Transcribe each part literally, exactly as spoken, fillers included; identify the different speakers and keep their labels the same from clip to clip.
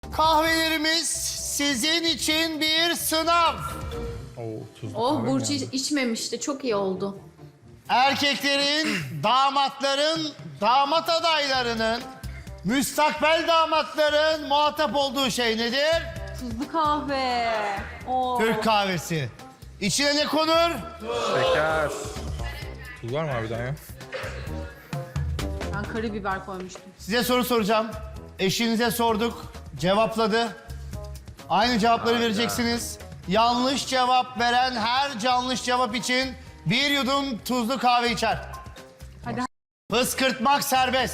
Speaker 1: Kahvelerimiz sizin için bir sınav.
Speaker 2: Oo, tuzlu
Speaker 3: Oh
Speaker 2: kahve
Speaker 3: Burcu
Speaker 2: mi
Speaker 3: iç-
Speaker 2: yani?
Speaker 3: içmemişti. Çok iyi oldu.
Speaker 1: Erkeklerin, damatların, damat adaylarının, müstakbel damatların muhatap olduğu şey nedir?
Speaker 3: Tuzlu kahve. Oo.
Speaker 1: Türk kahvesi. İçine ne konur?
Speaker 2: Şeker. Tuz var mı harbiden ya?
Speaker 3: Ben karabiber koymuştum.
Speaker 1: Size soru soracağım. Eşinize sorduk, cevapladı. Aynı cevapları vereceksiniz. Yanlış cevap veren her yanlış cevap için bir yudum tuzlu kahve içer.
Speaker 3: Hadi.
Speaker 1: Fıskırtmak serbest.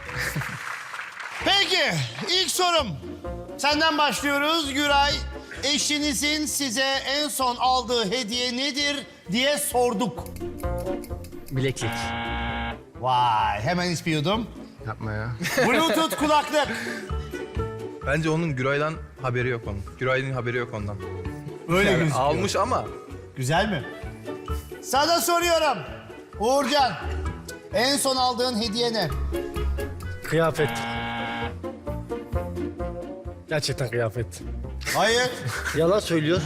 Speaker 1: Peki, ilk sorum. Senden başlıyoruz Güray. Eşinizin size en son aldığı hediye nedir diye sorduk.
Speaker 4: Bileklik.
Speaker 1: Vay, hemen hiç bir yudum.
Speaker 4: Yapma ya.
Speaker 1: Bluetooth kulaklık.
Speaker 2: Bence onun Güray'dan haberi yok onun. Güray'ın haberi yok ondan.
Speaker 1: Öyle
Speaker 2: Yani
Speaker 1: gözüküyor.
Speaker 2: almış ama
Speaker 1: Güzel mi? Sana soruyorum. Uğurcan, en son aldığın hediye ne?
Speaker 4: Kıyafet. Gerçekten kıyafet.
Speaker 1: Hayır.
Speaker 4: Yalan söylüyor.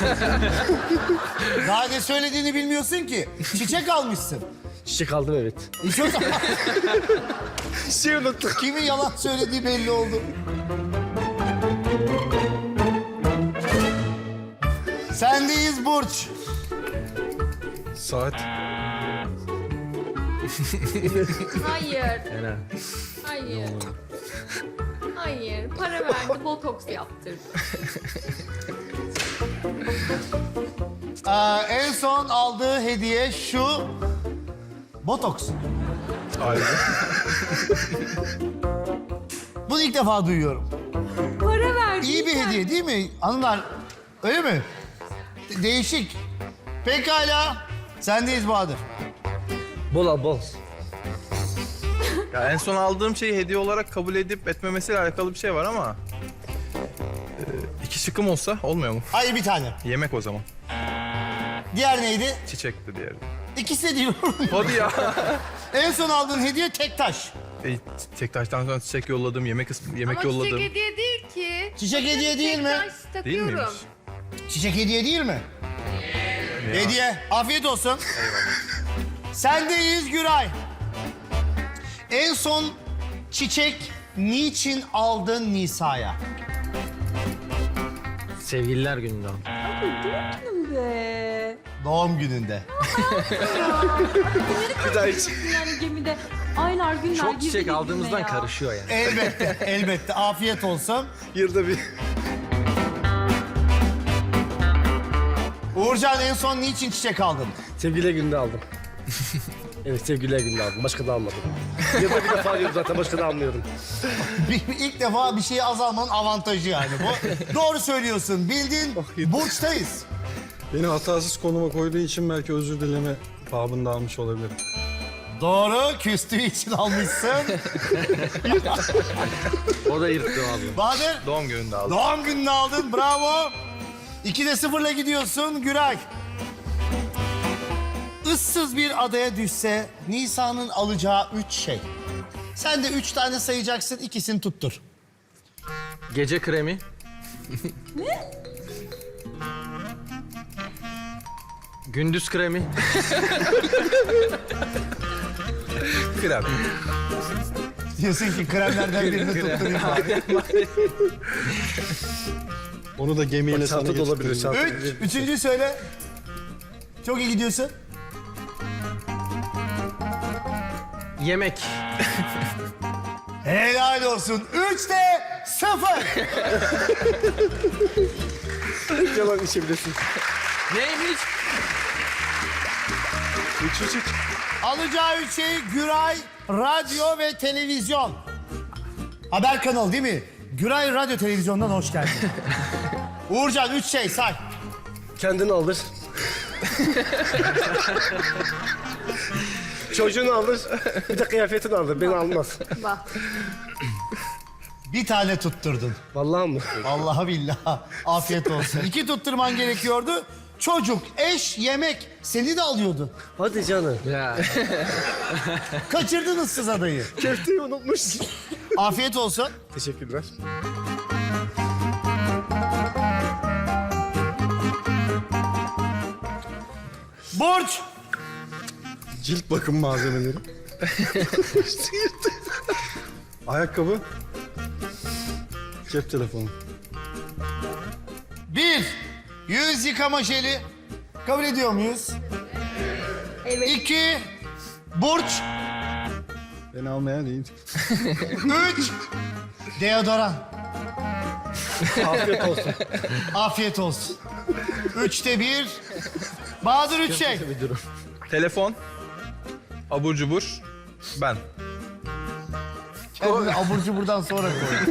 Speaker 1: Daha ne söylediğini bilmiyorsun ki. Çiçek almışsın.
Speaker 4: Çiçek aldım evet.
Speaker 1: Hiç o zaman
Speaker 4: Şey unuttuk.
Speaker 1: kimin yalan söylediği belli oldu. Sendeyiz Burç.
Speaker 2: saat.
Speaker 3: Hayır.
Speaker 4: Helal.
Speaker 3: Hayır. Hayır. Para verdi. Botoks yaptırdı.
Speaker 1: Aa, en son aldığı hediye şu. Botoks.
Speaker 2: Ayrı.
Speaker 1: Bunu ilk defa duyuyorum.
Speaker 3: Para verdi.
Speaker 1: İyi bir hediye değil mi hanımlar? Öyle mi? De- değişik. Pekala. Sendeyiz Bahadır.
Speaker 4: Bol al bol.
Speaker 2: Ya en son aldığım şeyi hediye olarak kabul edip etmemesiyle alakalı bir şey var ama... e, iki şıkkım olsa olmuyor mu?
Speaker 1: Hayır bir tane.
Speaker 2: Yemek o zaman.
Speaker 1: Diğer neydi?
Speaker 2: Çiçekti diğeri.
Speaker 1: İkisi de diyorum.
Speaker 2: Hadi ya.
Speaker 1: En son aldığın hediye tek taş.
Speaker 2: E, tek taştan sonra çiçek yolladım, yemek ıs- yemek
Speaker 3: Ama
Speaker 2: yolladım.
Speaker 3: çiçek hediye değil ki.
Speaker 1: Çiçek hediye değil mi?
Speaker 3: Taş
Speaker 2: Değil
Speaker 3: takıyorum.
Speaker 2: miymiş?
Speaker 1: Çiçek hediye değil mi?
Speaker 2: Ya.
Speaker 1: Hediye. Afiyet olsun. Sendeyiz Güray. En son çiçek niçin aldın Nisa'ya?
Speaker 4: Sevgililer gününde aldım.
Speaker 3: Be.
Speaker 1: Doğum gününde.
Speaker 4: Bir daha hiç.
Speaker 3: Yani gemide aylar günler
Speaker 4: Çok
Speaker 3: girdi
Speaker 4: çiçek
Speaker 3: birbirine
Speaker 4: aldığımızdan
Speaker 3: ya.
Speaker 4: karışıyor yani.
Speaker 1: Elbette, elbette. Afiyet olsun.
Speaker 4: Yılda bir.
Speaker 1: Uğurcan en son niçin çiçek aldın?
Speaker 4: Sevgililer gününde aldım. Evet sevgililer gününde aldım. Başka da almadım. Yılda bir defa alıyorum zaten başka da almıyorum.
Speaker 1: Bir, ilk defa bir şeyi azalmanın avantajı yani bu. Doğru söylüyorsun. Bildin. Burç'tayız.
Speaker 5: Beni hatasız konuma koyduğu için belki özür dileme babında almış olabilirim.
Speaker 1: Doğru. Küstüğü için almışsın.
Speaker 4: O da yırttı abi.
Speaker 1: Bahadır.
Speaker 2: Doğum gününde aldım.
Speaker 1: Doğum gününü aldın. Bravo. İkide sıfırla gidiyorsun Güray. Issız bir adaya düşse Nisa'nın alacağı üç şey. Sen de üç tane sayacaksın, ikisini tuttur.
Speaker 4: Gece kremi. Gündüz kremi.
Speaker 2: Krem.
Speaker 1: Diyorsun ki kremlerden birini tutturayım abi.
Speaker 5: Onu da gemiyle sana
Speaker 4: Çanta da olabilir.
Speaker 5: getirtirim.
Speaker 4: Çanta.
Speaker 1: Üç, üçüncüyü söyle. Çok iyi gidiyorsun.
Speaker 4: Yemek.
Speaker 1: Helal olsun. Üçte sıfır.
Speaker 4: Yalan içebilirsin. Neymiş?
Speaker 5: Üç üç üç.
Speaker 1: Alacağı üç şey Güray, radyo ve televizyon. Haber kanalı değil mi? Güray Radyo Televizyon'dan hoş geldin. Uğurcan üç şey say.
Speaker 4: Kendini alır. Çocuğunu alır. Bir de kıyafetini alır. Beni almaz.
Speaker 3: Bak.
Speaker 1: Bir tane tutturdun.
Speaker 4: Vallahi mı?
Speaker 1: Vallahi billahi. Afiyet olsun. İki tutturman gerekiyordu. Çocuk, eş, yemek seni de alıyordu.
Speaker 4: Hadi canım. Ya.
Speaker 1: Kaçırdın ıssız adayı.
Speaker 4: Köfteyi unutmuş.
Speaker 1: Afiyet olsun.
Speaker 4: Teşekkürler.
Speaker 1: Burç.
Speaker 5: Cilt bakım malzemeleri. Ayakkabı. Cep telefonu.
Speaker 1: Bir. Yüz yıkama jeli. Kabul ediyor muyuz?
Speaker 3: Evet.
Speaker 1: İki. Burç.
Speaker 5: Beni almaya değil.
Speaker 1: Üç. Deodoran.
Speaker 4: Afiyet olsun.
Speaker 1: Afiyet olsun. Üçte bir. Bahadır üç şey.
Speaker 4: Müdürüm.
Speaker 2: Telefon, abur cubur, ben.
Speaker 1: Kendini abur cuburdan sonra koy.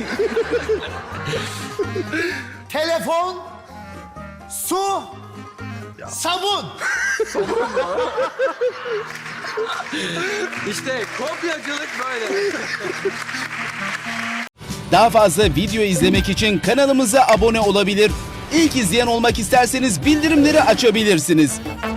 Speaker 1: Telefon, su, sabun.
Speaker 6: İşte kopyacılık böyle.
Speaker 7: Daha fazla video izlemek için kanalımıza abone olabilir. İlk izleyen olmak isterseniz bildirimleri açabilirsiniz.